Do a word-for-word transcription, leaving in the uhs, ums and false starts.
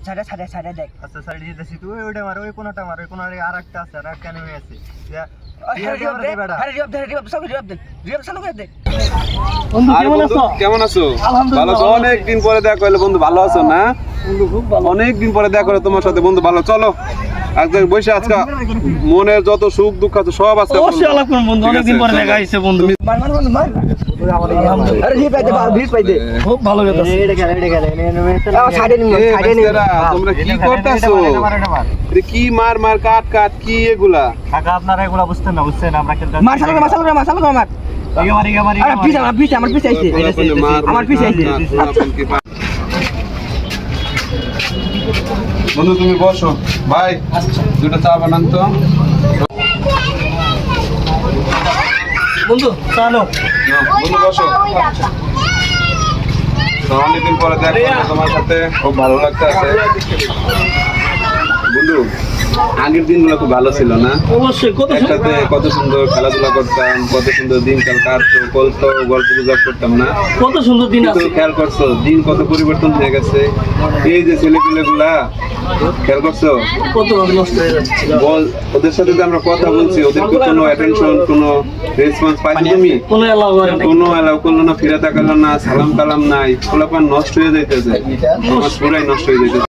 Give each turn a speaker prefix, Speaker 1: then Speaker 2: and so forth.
Speaker 1: সাইডে সাইডে সাইডে দেখ।
Speaker 2: আচ্ছা সাইডে দিতেছি, তুই ওইটা মার, ওই কোনাটা মার, ওই কোনারে আরেকটা আছে, আর একটা নেমে আছে।
Speaker 3: কেমন আছো? ভালো আছো? অনেকদিন পরে দেখা হলো বন্ধু, ভালো আছো না? অনেকদিন পরে দেখা হলো তোমার সাথে বন্ধু, ভালো। চলো আজকে বসে আজকে মনের যত সুখ দুঃখ আছে সব আছে
Speaker 4: অবশ্যই আলাপ করুন বন্ধু, অনেকদিন পরে দেখা হইছে বন্ধু।
Speaker 1: মার মার মার মার আরে জি পাইতে পার ভিড় পাইতে
Speaker 4: খুব ভালো কথা।
Speaker 2: এটা খেলে এটা খেলে
Speaker 1: সাইডে নিয়ে
Speaker 3: এ
Speaker 1: সাইডে নিয়ে
Speaker 3: বাচ্চারা, তোমরা কি করতেছো? এটা কি মার মার কাট কাট কি এগুলা?
Speaker 2: কাকা আপনারা এগুলা বুঝতেন না, বুঝছেন আমরা খেলতে
Speaker 1: মার সালকে মার সালকে মার সালকে মার
Speaker 2: ইগে মারি ইগে মারি
Speaker 1: আরে পিছে আমার পিছে আমার পিছে আইছে আমার পিছে আইছে
Speaker 3: বন্ধু তুমি বসো ভাই, দুটো চা বানান তো
Speaker 4: বন্ধু চলো
Speaker 3: বন্ধু, বসো। তো অনেকদিন পরে দেখা হলো তোমার সাথে, খুব ভালো লাগতেছে বন্ধু। আগের দিনগুলো খুব ভালো ছিল না?
Speaker 4: অবশ্যই। কত
Speaker 3: একসাথে কত সুন্দর খেলাধুলা করতাম, কত সুন্দর দিনকাল কাটতো, কলতো গল্প গুজব করতাম না?
Speaker 4: কত সুন্দর দিন আছে।
Speaker 3: খেয়াল করছো দিন কত পরিবর্তন হয়ে গেছে? এই যে ছেলেপিলে গুলা খেয়াল করছো
Speaker 4: কত নষ্ট হয়ে যাচ্ছে।
Speaker 3: বল, ওদের সাথে যে আমরা কথা বলছি, ওদেরকে কোনো অ্যাটেনশন কোনো রেসপন্স পাইছো তুমি?
Speaker 4: কোনো এলাও করে না।
Speaker 3: কোনো এলাও করলো না, ফিরে তাকালো না, সালাম কালাম নাই, পোলাপান নষ্ট হয়ে যাইতেছে, সমাজ পুরাই নষ্ট হয়ে যাইতেছে।